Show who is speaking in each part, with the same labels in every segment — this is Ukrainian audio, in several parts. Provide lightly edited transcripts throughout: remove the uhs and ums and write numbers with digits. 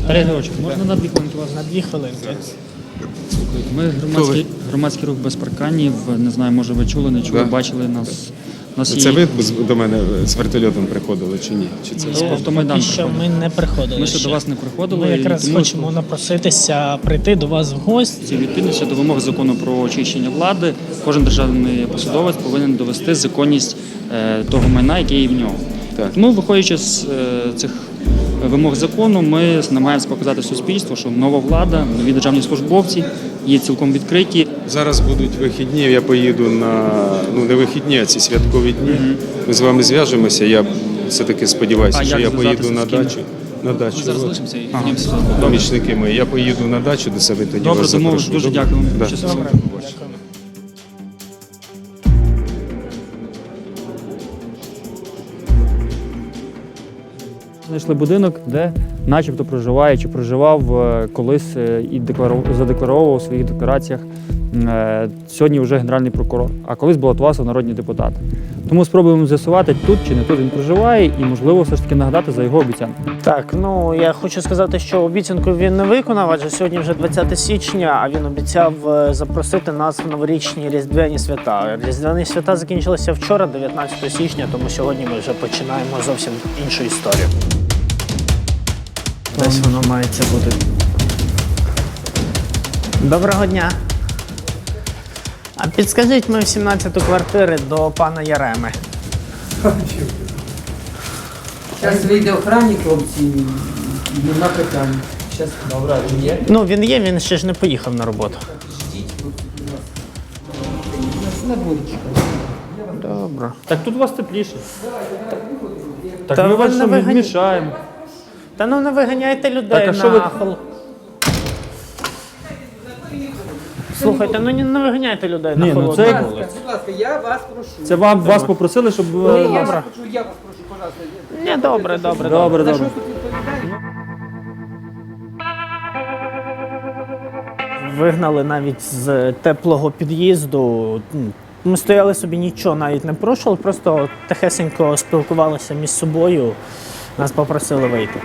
Speaker 1: Віталій Григорович, можна на 2 хвилинки вас?
Speaker 2: На 2 хвилинки.
Speaker 1: Ми громадський рух без парканів. Не знаю, може ви чули, не чули, бачили нас.
Speaker 3: Це ви до мене з вертольотом приходили чи ні? Чи це
Speaker 1: Автомайдан
Speaker 2: Поки що ми не приходили.
Speaker 1: Ми ще до вас не приходили.
Speaker 2: Ми якраз
Speaker 1: тому
Speaker 2: хочемо напроситися прийти до вас в гості.
Speaker 1: відповідності до вимог закону про очищення влади, кожен державний посадовець повинен довести законність того майна, яке є в нього.
Speaker 3: Так.
Speaker 1: Тому, виходячи з цих вимог закону, ми намагаємося показати суспільству, що нова влада, нові державні службовці є цілком відкриті.
Speaker 3: Зараз будуть вихідні, я поїду на, не вихідні, а ці святкові дні. Ми з вами зв'яжемося, я все-таки сподіваюся, що я поїду на дачу. На дачу.
Speaker 1: Ми зараз
Speaker 3: От.
Speaker 1: залишимося і піднімемося.
Speaker 3: Помічники мої. Я поїду на дачу до себе, тоді
Speaker 1: Добре,
Speaker 3: вас
Speaker 1: домовились.
Speaker 3: запрошу.
Speaker 1: Дуже дякую.
Speaker 3: Да.
Speaker 1: Щасливо.
Speaker 2: Добре, дякую.
Speaker 1: Знайшли будинок, де начебто проживає чи проживав колись і задекларовував у своїх деклараціях сьогодні вже Генеральний прокурор, а колись балотувався в народні депутати. Тому спробуємо з'ясувати, тут чи не тут він проживає, і, можливо, все ж таки нагадати за його обіцянку.
Speaker 2: Так, я хочу сказати, що обіцянку він не виконав, адже сьогодні вже 20 січня, а він обіцяв запросити нас в новорічні різдвяні свята. Різдвяні свята закінчилися вчора, 19 січня, тому сьогодні ми вже починаємо зовсім іншу історію. Десь воно мається бути. Доброго дня. А підскажіть ми в 17-ту квартиру до пана Яреми.
Speaker 4: Зараз вийде охранник, хлопці, на питання. Зараз добре, є.
Speaker 2: Він є, він ще ж не поїхав на роботу.
Speaker 4: На буде чекати.
Speaker 2: Добре.
Speaker 1: Так тут у вас тепліше. Так
Speaker 2: Та
Speaker 1: ми
Speaker 2: ви
Speaker 1: вас
Speaker 2: не
Speaker 1: що,
Speaker 2: вигані-
Speaker 1: мішаємо.
Speaker 2: Та не виганяйте людей
Speaker 1: Так, а що ви-
Speaker 2: Слухайте, не виганяйте людей на
Speaker 1: Ні,
Speaker 2: холодну
Speaker 1: це-
Speaker 2: вулицю.
Speaker 4: Будь ласка, я вас прошу.
Speaker 1: Це вас попросили, щоб...
Speaker 4: Я
Speaker 2: Добре.
Speaker 4: вас прошу, пожалуйста.
Speaker 2: Ні, добре.
Speaker 1: Добре,
Speaker 4: За що
Speaker 1: добре.
Speaker 4: тут відповідає?
Speaker 2: Вигнали навіть з теплого під'їзду. Ми стояли собі, нічого навіть не порушили, просто тихесенько спілкувалися між собою. Нас попросили вийти.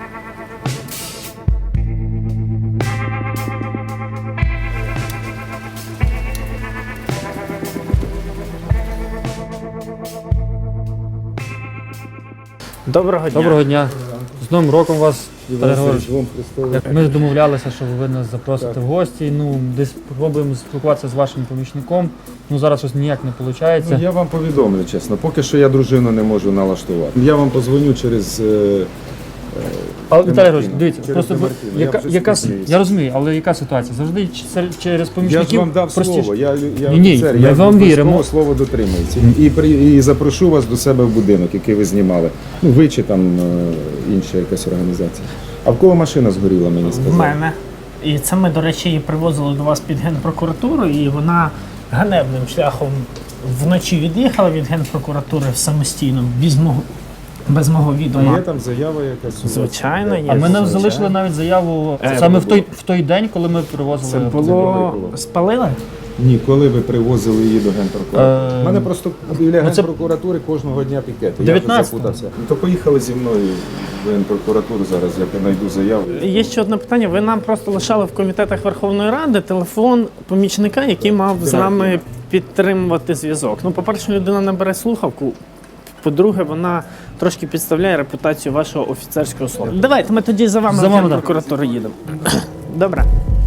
Speaker 2: Доброго дня.
Speaker 1: Доброго дня. З Новим роком вас, Віталій Григорович. Ми домовлялися, що ви нас запросите в гості. Десь спробуємо спілкуватися з вашим помічником. Зараз щось ніяк не виходить.
Speaker 3: Я вам повідомлю, чесно, поки що я дружину не можу налаштувати. Я вам позвоню через...
Speaker 1: Але Віталій Григорович, дивіться,
Speaker 3: Через
Speaker 1: просто
Speaker 3: Демартіна. Я вже спізнююсь.
Speaker 1: я розумію, але яка ситуація? Завжди через
Speaker 3: Я
Speaker 1: помічників
Speaker 3: ж вам дав
Speaker 1: простіше.
Speaker 3: слово, я
Speaker 1: Ні,
Speaker 3: офіцер,
Speaker 1: ми
Speaker 3: я
Speaker 1: вам
Speaker 3: обов'язково
Speaker 1: віримо.
Speaker 3: слово дотримується. І запрошу вас до себе в будинок, який ви знімали. Ви чи там інша якась організація. А в кого машина згоріла, мені
Speaker 2: В
Speaker 3: сказали?
Speaker 2: мене. І це ми, до речі, її привозили до вас під Генпрокуратуру, і вона ганебним шляхом вночі від'їхала від Генпрокуратури самостійно, без мого
Speaker 3: А
Speaker 2: відома.
Speaker 3: є там заява якась? у вас?
Speaker 2: Звичайно, є.
Speaker 1: А ми не
Speaker 2: Звичайно.
Speaker 1: залишили навіть заяву саме в той день, коли ми привозили.
Speaker 2: Це було... Спалили?
Speaker 3: Ні, коли ви привозили її до Генпрокуратури? У мене просто біля
Speaker 1: це-
Speaker 3: Генпрокуратури кожного дня пікети.
Speaker 1: 19-го.
Speaker 3: Я вже запутався. То поїхали зі мною в Генпрокуратуру зараз, я знайду заяву.
Speaker 2: Є ще одне питання. Ви нам просто лишали в комітетах Верховної Ради телефон помічника, який мав з нами підтримувати зв'язок. По-перше, людина не бере слухавку. По-друге, вона трошки підставляє репутацію вашого офіцерського слова. Давайте ми тоді за вами
Speaker 1: За
Speaker 2: в
Speaker 1: вами,
Speaker 2: Генпрокуратуру їдемо. Добре.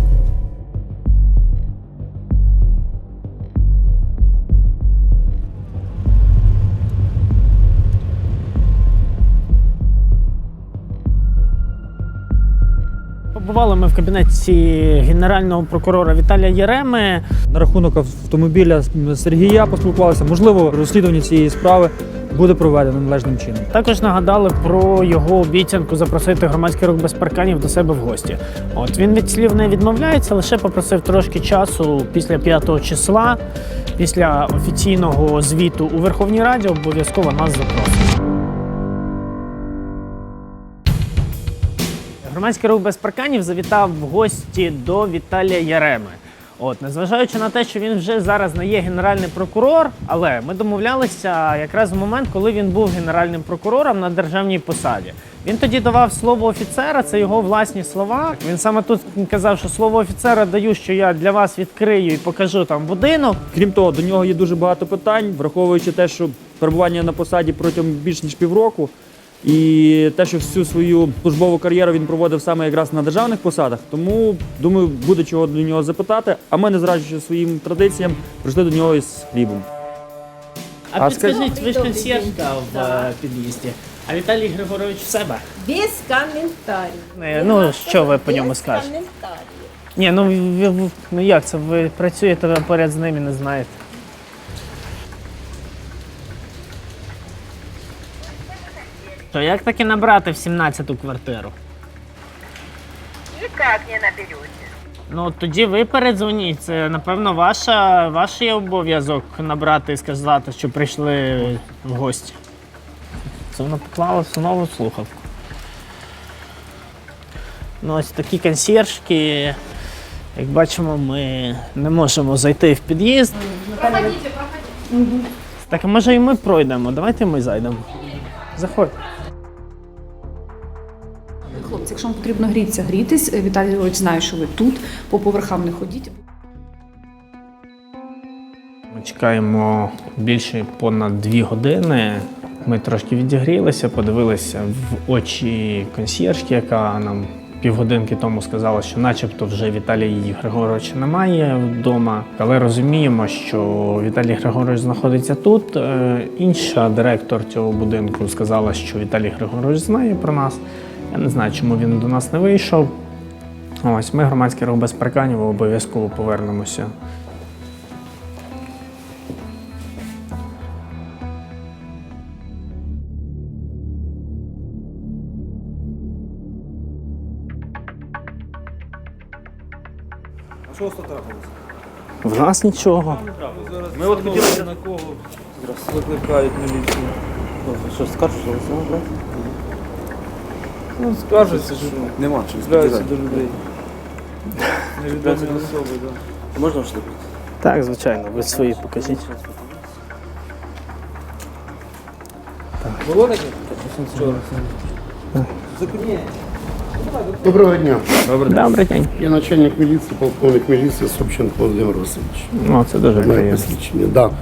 Speaker 2: Побували ми в кабінеті генерального прокурора Віталія Яреми.
Speaker 1: На рахунок автомобіля Сергія поспілкувалися. Можливо, розслідування цієї справи буде проведено належним чином.
Speaker 2: Також нагадали про його обіцянку запросити громадський рух без парканів до себе в гості. Він від слів не відмовляється, лише попросив трошки часу після 5 числа, після офіційного звіту у Верховній Раді обов'язково нас запросить. Громадський рух без парканів завітав в гості до Віталія Яреми. От, незважаючи на те, що він вже зараз не є генеральний прокурор, але ми домовлялися якраз в момент, коли він був генеральним прокурором на державній посаді. Він тоді давав слово офіцера, це його власні слова. Він саме тут казав, що слово офіцера даю, що я для вас відкрию і покажу там будинок.
Speaker 1: Крім того, до нього є дуже багато питань, враховуючи те, що перебування на посаді протягом більш ніж півроку, і те, що всю свою службову кар'єру він проводив саме якраз на державних посадах. Тому, думаю, буде чого до нього запитати. А ми, не зраджуючи своїм традиціям, прийшли до нього із хлібом.
Speaker 2: А
Speaker 1: А
Speaker 2: підскажіть, ви ж консьєржка в під'їзді, а Віталій Григорович в себе?
Speaker 5: Без комментариев.
Speaker 2: Ну, що ви по ньому скажете?
Speaker 5: Комментариев.
Speaker 2: Ні, ну як це? Ви працюєте ви поряд з ним і не знаєте. То як таки набрати в 17-ту квартиру?
Speaker 6: Никак не наберете.
Speaker 2: Ну тоді ви передзвоніть. Це, напевно, ваш є обов'язок набрати і сказати, що прийшли в гості. Це вона поклала в нову слухавку. Ну ось такі консьєржки. Як бачимо, ми не можемо зайти в під'їзд. Так, а може і ми пройдемо? Давайте ми зайдемо. Заходь.
Speaker 7: Хлопці, якщо вам потрібно грітися, грітись. Віталій Григорович знає, що ви тут, по поверхам не ходіть.
Speaker 2: Ми чекаємо більше понад 2 години. Ми трошки відігрілися, подивилися в очі консьєржки, яка нам півгодинки тому сказала, що начебто вже Віталія Григоровича немає вдома. Але розуміємо, що Віталій Григорович знаходиться тут. Інша директор цього будинку сказала, що Віталій Григорович знає про нас. Я не знаю, чому він до нас не вийшов. Ось, ми, громадський рух без парканів, обов'язково повернемося.
Speaker 8: А що у вас тут трапилося?
Speaker 2: В нас нічого.
Speaker 1: Ми от хотіли...
Speaker 8: На кого викликають міліцію? Що, скаржуться? Ну, скаржуться, що нема чим звертаються до людей. Невідомі особи, так. Можна вступити?
Speaker 2: Так, звичайно, ви свої покажіть.
Speaker 8: Було таке? Вчора.
Speaker 9: Доброго дня.
Speaker 2: Добрий день.
Speaker 9: Я начальник міліції, полковник міліції Собченко Володимир Васильович.
Speaker 2: Ну, це дуже
Speaker 9: Моє
Speaker 2: приємно.
Speaker 9: посвідчення, да.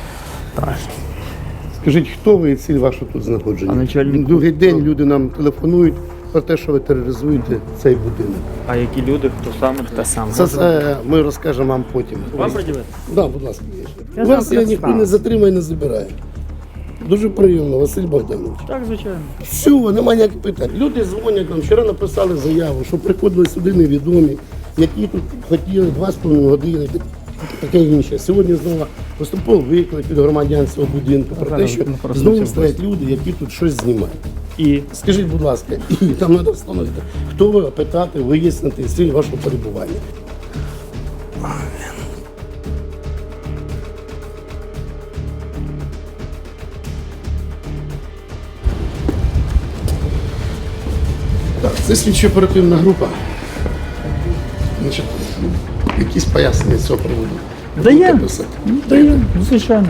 Speaker 9: Скажіть, хто ви і ціль ваша тут знаходження?
Speaker 1: А начальник-
Speaker 9: Другий день люди нам телефонують про те, що ви тероризуєте цей будинок.
Speaker 1: А які люди, хто саме?
Speaker 2: Те саме.
Speaker 9: Це ми розкажемо вам потім.
Speaker 1: Вам приділити?
Speaker 9: Да, будь ласка.
Speaker 2: Я
Speaker 9: У вас
Speaker 2: знаю,
Speaker 9: я ніхто
Speaker 2: представлю.
Speaker 9: не затримає, не забирає. Дуже приємно, Василь Богданович.
Speaker 1: Так, звичайно.
Speaker 9: Все, немає ніяких питань. Люди дзвонять нам, вчора написали заяву, що приходили сюди невідомі, які тут хотіли 2,5 години, таке інше. Сьогодні знову поступово виклик від громадян цього будинку про те, що знову стоять люди, які тут щось знімають.
Speaker 1: І
Speaker 9: Скажіть, будь ласка, і там треба встановити, хто ви, питати, вияснити ціль вашого перебування. Так, це слідчо-оперативна група. Значить, якісь пояснення з цього приводу.
Speaker 1: Дає.
Speaker 9: Будете писати?
Speaker 1: дає, звичайно.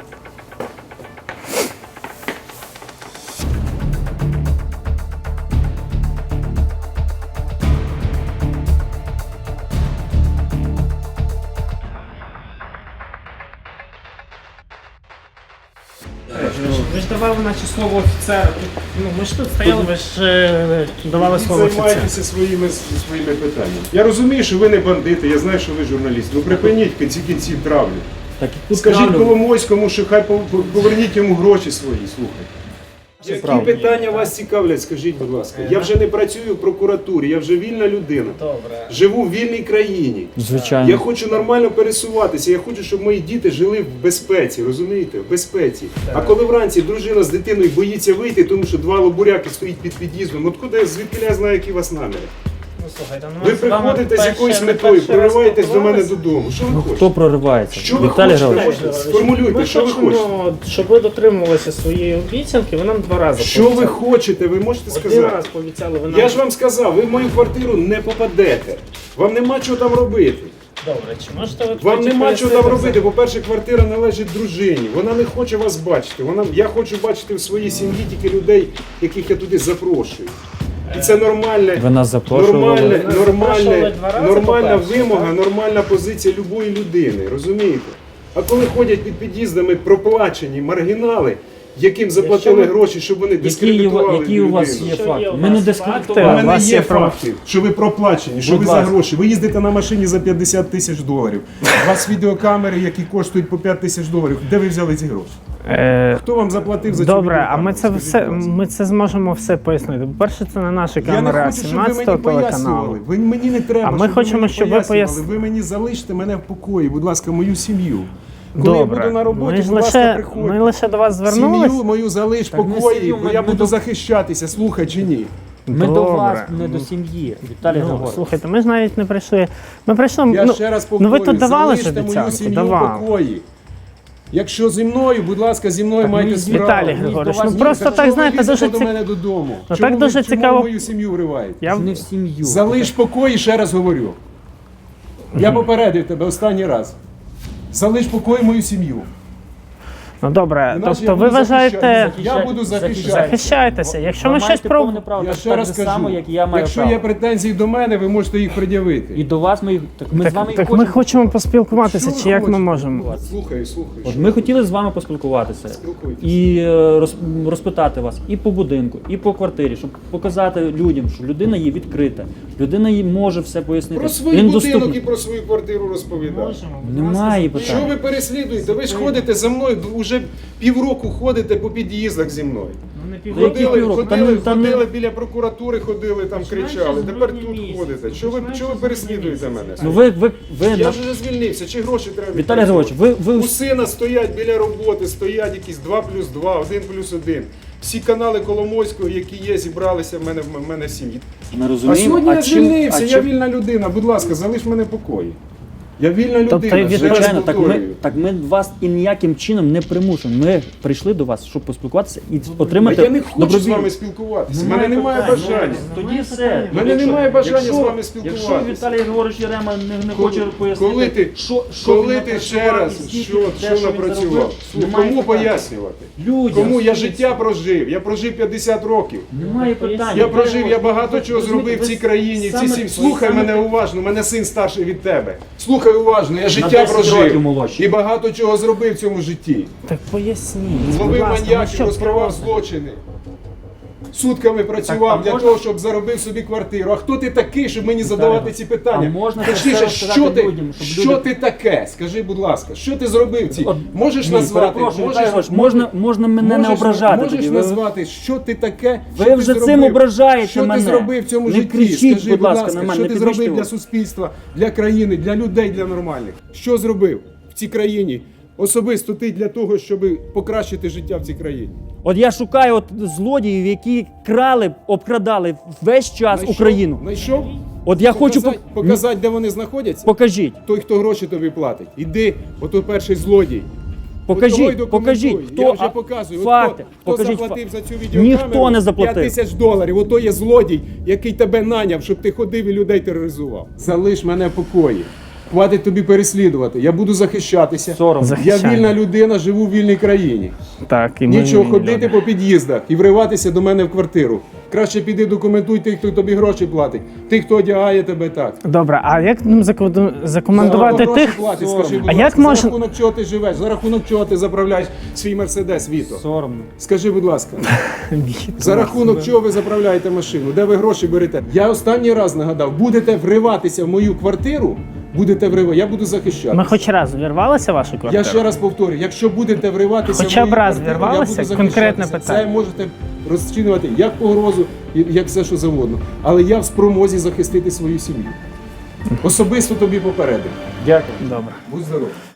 Speaker 2: Ви ж давали наче слово офіцера. Ну, ми ж тут стояли, ви ж давали слово офіцера.
Speaker 3: Займайтеся своїми питаннями. Я розумію, що ви не бандити, я знаю, що ви журналіст. Ну припиніть в кінці кінців травлю.
Speaker 1: Так, і тут
Speaker 3: Скажіть
Speaker 1: правильно.
Speaker 3: Коломойському, що хай поверніть йому гроші свої, слухайте. Які
Speaker 1: правда.
Speaker 3: питання вас цікавлять, скажіть, будь ласка. Я вже не працюю в прокуратурі, я вже вільна людина.
Speaker 2: Добре.
Speaker 3: Живу в вільній країні.
Speaker 1: Звичайно.
Speaker 3: Я хочу нормально пересуватися, я хочу, щоб мої діти жили в безпеці, розумієте? В безпеці. А коли вранці дружина з дитиною боїться вийти, тому що 2 лобуряки стоїть під під'їздом, от куди, звідки я знаю, які у вас наміри?
Speaker 2: Ну, слухайте, ну,
Speaker 3: Ви
Speaker 2: ми з вами
Speaker 3: приходите з
Speaker 2: перше-
Speaker 3: якоюсь
Speaker 2: не
Speaker 3: метою,
Speaker 2: перший раз
Speaker 3: прориваєтесь до мене
Speaker 2: спілкувалися.
Speaker 3: додому. Що ви
Speaker 1: Ну,
Speaker 3: хочете?
Speaker 1: хто проривається?
Speaker 3: Що ви
Speaker 1: Віталій
Speaker 3: хочете?
Speaker 1: Григорович.
Speaker 3: Сформулюйте,
Speaker 2: Ми
Speaker 3: що ви
Speaker 2: хочемо,
Speaker 3: хочете?
Speaker 2: щоб ви дотримувалися своєї обіцянки, ви нам 2 рази
Speaker 3: Що ви
Speaker 2: пообіцяли.
Speaker 3: хочете, ви можете
Speaker 2: Один
Speaker 3: сказати?
Speaker 2: раз пообіцяли, ви нам...
Speaker 3: Я ж вам сказав, ви в мою квартиру не попадете. Вам нема чого там робити.
Speaker 2: Добре, чи можете ви
Speaker 3: Вам
Speaker 2: тоді
Speaker 3: нема чого там
Speaker 2: пояснити
Speaker 3: робити. По-перше, квартира належить дружині. Вона не хоче вас бачити. Я хочу бачити в своїй сім'ї тільки людей, яких я туди запрошую. І це нормальне,
Speaker 1: Ви нас запрошували.
Speaker 2: запрошували два рази,
Speaker 3: нормальна
Speaker 2: по-перше,
Speaker 3: вимога,
Speaker 2: так?
Speaker 3: нормальна позиція любої людини. Розумієте? А коли ходять під під'їздами проплачені маргінали, яким заплатили
Speaker 2: Якщо ви-
Speaker 3: гроші, щоб вони дискредитували
Speaker 1: Які у вас
Speaker 3: людину.
Speaker 1: є
Speaker 2: Що є
Speaker 1: факти?
Speaker 2: у
Speaker 1: Ми не
Speaker 2: вас
Speaker 3: У
Speaker 1: дискредитували.
Speaker 2: факти?
Speaker 3: мене
Speaker 2: вас
Speaker 3: є
Speaker 2: є про-
Speaker 3: факти, що ви проплачені, що
Speaker 1: Будь
Speaker 3: ви за
Speaker 1: ласка.
Speaker 3: гроші. Ви їздите на машині за 50 тисяч доларів. У вас відеокамери, які коштують по 5 тисяч доларів. Де ви взяли ці гроші? Хто вам заплатив за цю
Speaker 2: Добре, а
Speaker 3: відеокамеру?
Speaker 2: ми це
Speaker 3: Скажіть,
Speaker 2: все,
Speaker 3: будь ласка.
Speaker 2: ми це зможемо все пояснити. По-перше, це не наші
Speaker 3: Я не
Speaker 2: камери, а
Speaker 3: хочу, щоб ви мені
Speaker 2: 17-го телеканалу.
Speaker 3: пояснювали. Ви мені не треба,
Speaker 2: А ми
Speaker 3: щоб
Speaker 2: хочемо,
Speaker 3: ви мені
Speaker 2: щоб ви
Speaker 3: пояснювали. Ви мені залиште мене в покої, будь ласка, мою сім'ю. Коли я
Speaker 2: Добре,
Speaker 3: буду на роботі,
Speaker 2: ми ж
Speaker 3: будь ласка,
Speaker 2: лише,
Speaker 3: приходьте.
Speaker 2: ми лише до вас звернулись.
Speaker 3: Сім'ю мою залиш в
Speaker 1: Так не
Speaker 3: покої,
Speaker 1: сім'ю,
Speaker 3: бо
Speaker 1: ми-
Speaker 3: я
Speaker 1: ми
Speaker 3: буду
Speaker 1: до-
Speaker 3: захищатися, слухай чи ні.
Speaker 1: Ми до
Speaker 2: Добре.
Speaker 1: вас, не до сім'ї. Віталій
Speaker 2: Ну,
Speaker 1: Григорович.
Speaker 2: слухайте, ми ж навіть не прийшли. Ми прийшли.
Speaker 3: Я
Speaker 2: ну,
Speaker 3: ще раз
Speaker 2: ну
Speaker 3: повторюю,
Speaker 2: ви тут давали ж
Speaker 3: залиште мою
Speaker 2: обіцянку,
Speaker 3: сім'ю в
Speaker 2: давали.
Speaker 3: покої. Якщо зі мною, будь ласка, зі мною
Speaker 1: Так
Speaker 3: майте
Speaker 1: ми-
Speaker 3: справу.
Speaker 2: Віталій
Speaker 3: Ні,
Speaker 2: Григорович,
Speaker 3: до вас
Speaker 2: ну
Speaker 3: ні,
Speaker 2: просто
Speaker 3: так
Speaker 2: так,
Speaker 3: чого
Speaker 2: знаєте,
Speaker 3: ви лізете
Speaker 2: дуже
Speaker 3: до мене додому.
Speaker 2: Ну,
Speaker 3: Чому
Speaker 2: так
Speaker 3: ви-
Speaker 2: дуже
Speaker 3: чому
Speaker 2: цікаво.
Speaker 3: ви мою сім'ю вриваєте?
Speaker 2: Я...
Speaker 1: Не в сім'ю.
Speaker 3: Залиш покої, ще раз говорю. Я попередив тебе останній раз. Залиш покої мою сім'ю.
Speaker 2: Ну добре,
Speaker 3: Іначе я
Speaker 2: тобто ви
Speaker 3: буду
Speaker 2: вважаєте,
Speaker 3: захищати. Я буду захищати.
Speaker 2: захищайтеся. Якщо ми
Speaker 1: Ви
Speaker 2: щось
Speaker 1: маєте
Speaker 2: про
Speaker 1: повне право,
Speaker 3: Я
Speaker 1: так
Speaker 3: ще раз
Speaker 1: же
Speaker 3: кажу,
Speaker 1: само, як і я маю
Speaker 3: якщо
Speaker 1: право.
Speaker 3: є претензії до мене, ви можете їх пред'явити.
Speaker 1: І до вас ми їх... Так ми з вами і
Speaker 2: так ми хочемо поспілкуватися,
Speaker 3: Що ви
Speaker 2: чи як ми
Speaker 3: хочете?
Speaker 2: можемо?
Speaker 3: Слухаю.
Speaker 1: От ми хотіли з вами поспілкуватися
Speaker 3: Спілкуйтесь.
Speaker 1: і розпитати вас і по будинку, і по квартирі, щоб показати людям, що людина є відкрита, людина їй може все пояснити.
Speaker 3: Про свій
Speaker 1: Він
Speaker 3: будинок і
Speaker 1: доступний.
Speaker 3: про свою квартиру розповідати.
Speaker 1: Немає
Speaker 3: Що
Speaker 1: питань.
Speaker 3: ви переслідуєте? Ви ж ходите за мною, вже півроку ходите по під'їздах зі мною.
Speaker 1: Та які півроку? Та не-
Speaker 3: Ходили біля прокуратури, ходили, там кричали. Тепер тут ходите. Чого ви переслідуєте мене?
Speaker 1: Ну ви
Speaker 3: Я
Speaker 1: на-
Speaker 3: ж вже звільнився, чи гроші треба
Speaker 1: Віталій Григорович,
Speaker 3: відпрацьовувати?
Speaker 1: ви
Speaker 3: У сина стоять біля роботи, стоять якісь 2+2, 1+1. Всі канали Коломойського, які є, зібралися в мене в сім'ї.
Speaker 1: не
Speaker 3: А
Speaker 1: розуміємо.
Speaker 3: сьогодні я
Speaker 1: чим-
Speaker 3: звільнився, я
Speaker 1: чим-
Speaker 3: вільна людина. Будь ласка, залиш мене в покої. Я вільна людина.
Speaker 2: Тобто,
Speaker 3: ще раз
Speaker 1: Звичайно,
Speaker 3: повторюю.
Speaker 1: так ми вас і ніяким чином не примушуємо. Ми прийшли до вас, щоб поспілкуватися і отримати
Speaker 3: А я не хочу з
Speaker 1: добровільно.
Speaker 3: вами спілкуватися. У мене немає бажання.
Speaker 1: Тоді все.
Speaker 3: У мене немає бажання з вами спілкуватися.
Speaker 1: Якщо Віталій Григорович Єрема не хоче пояснити,
Speaker 3: Коли ти,
Speaker 1: що
Speaker 3: коли
Speaker 1: він
Speaker 3: ти ще
Speaker 1: напрацював
Speaker 3: раз,
Speaker 1: і скільки
Speaker 3: що
Speaker 1: те, він
Speaker 3: напрацював?
Speaker 1: заробив,
Speaker 3: Слухай,
Speaker 1: немає
Speaker 3: кому
Speaker 1: питань.
Speaker 3: пояснювати?
Speaker 1: Людям.
Speaker 3: Кому? Я життя прожив. Я прожив 50 років.
Speaker 1: Немає питань.
Speaker 3: Я прожив, я багато
Speaker 1: Ви
Speaker 3: чого
Speaker 1: розумієте,
Speaker 3: зробив в цій
Speaker 1: ви
Speaker 3: країні, в цій
Speaker 1: саме-
Speaker 3: сім'ї. Слухай
Speaker 1: саме-
Speaker 3: мене уважно, у мене син старший від тебе. Слухай уважно, я життя
Speaker 1: 10 років
Speaker 3: прожив.
Speaker 1: молодший.
Speaker 3: І багато чого зробив в цьому житті.
Speaker 2: Так поясніть. будь
Speaker 3: Зловив
Speaker 2: ласка, ну
Speaker 3: маньяків,
Speaker 2: що
Speaker 3: розкривав
Speaker 2: просто?
Speaker 3: злочини. Сутками працював
Speaker 1: Так, а
Speaker 3: для
Speaker 1: можна-
Speaker 3: того, щоб заробив собі квартиру. А хто ти такий, щоб мені задавати ці питання?
Speaker 1: а можна це
Speaker 3: Точніше,
Speaker 1: все
Speaker 3: що
Speaker 1: розказати
Speaker 3: ти,
Speaker 1: людям, щоб
Speaker 3: що
Speaker 1: люди-
Speaker 3: ти таке? Скажи, будь ласка, що ти зробив ці?
Speaker 1: От,
Speaker 3: Можеш
Speaker 1: ні,
Speaker 3: назвати?
Speaker 1: перепрошую, Віталій Григорович, можна мене не
Speaker 3: можеш-
Speaker 1: ображати
Speaker 3: Можеш
Speaker 1: тоді.
Speaker 3: назвати, що ти таке?
Speaker 1: Ви
Speaker 3: що ти
Speaker 1: вже цим
Speaker 3: зробив?
Speaker 1: ображаєте
Speaker 3: Що
Speaker 1: мене.
Speaker 3: ти зробив в цьому
Speaker 1: Не
Speaker 3: житті?
Speaker 1: кричіть,
Speaker 3: Скажи,
Speaker 1: будь
Speaker 3: будь
Speaker 1: ласка,
Speaker 3: ласка,
Speaker 1: на мене,
Speaker 3: що
Speaker 1: не
Speaker 3: ти
Speaker 1: підвищуйте
Speaker 3: зробив для
Speaker 1: голос.
Speaker 3: суспільства, для країни, для людей, для нормальних? Що зробив в цій країні? Особисто ти для того, щоб покращити життя в цій країні.
Speaker 1: От я шукаю от злодіїв, які крали, обкрадали весь час Україну.
Speaker 3: Знайшов?
Speaker 1: От я хочу
Speaker 3: показати, де вони знаходяться.
Speaker 1: покажіть.
Speaker 3: Той, хто гроші тобі платить. Іди, ото перший злодій. От того й
Speaker 1: Покажіть,
Speaker 3: документуй.
Speaker 1: покажіть, хто
Speaker 3: Я вже показую. От
Speaker 1: факти.
Speaker 3: хто
Speaker 1: Покажіть
Speaker 3: заплатив
Speaker 1: факти.
Speaker 3: за цю відеокамеру?
Speaker 1: Ніхто не заплатив.
Speaker 3: 5 тисяч доларів. Ото є злодій, який тебе наняв, щоб ти ходив і людей тероризував. Залиш мене в покої. Хватить тобі переслідувати. Я буду захищатися.
Speaker 1: Соромно.
Speaker 3: Я
Speaker 2: Захищай.
Speaker 3: вільна людина, живу в вільній країні.
Speaker 2: Так, і ми
Speaker 3: Нічого
Speaker 2: вільні
Speaker 3: ходити
Speaker 2: люди.
Speaker 3: по під'їздах і вриватися до мене в квартиру. Краще піди документуй тих, хто тобі гроші платить, тих, хто одягає тебе так.
Speaker 2: Добре, а як нам закоментувати
Speaker 3: За гроші
Speaker 2: тих?
Speaker 3: платить, скажи, будь
Speaker 2: А
Speaker 3: ласка,
Speaker 2: як
Speaker 3: за
Speaker 2: можна-
Speaker 3: рахунок чого ти живеш, за рахунок чого ти заправляєш свій Мерседес, Віто?
Speaker 1: Соромно.
Speaker 3: Скажи, будь ласка, за рахунок чого ви заправляєте машину? Де ви гроші берете? Я останній раз нагадав, будете вриватися в мою квартиру, я буду захищати.
Speaker 2: Ми хоч раз вірвалися в вашу квартиру?
Speaker 3: Я ще раз повторю, якщо будете вриватися
Speaker 2: Хоча
Speaker 3: в
Speaker 2: б
Speaker 3: мою
Speaker 2: раз
Speaker 3: квартиру,
Speaker 2: вірвалися?
Speaker 3: я буду
Speaker 2: Конкретне
Speaker 3: захищатися.
Speaker 2: питання.
Speaker 3: Це можете розцінювати як погрозу, як все, що завгодно. Але я в спромозі захистити свою сім'ю. Особисто тобі попередив.
Speaker 1: Дякую.
Speaker 2: Добре.
Speaker 3: Будь здоровий.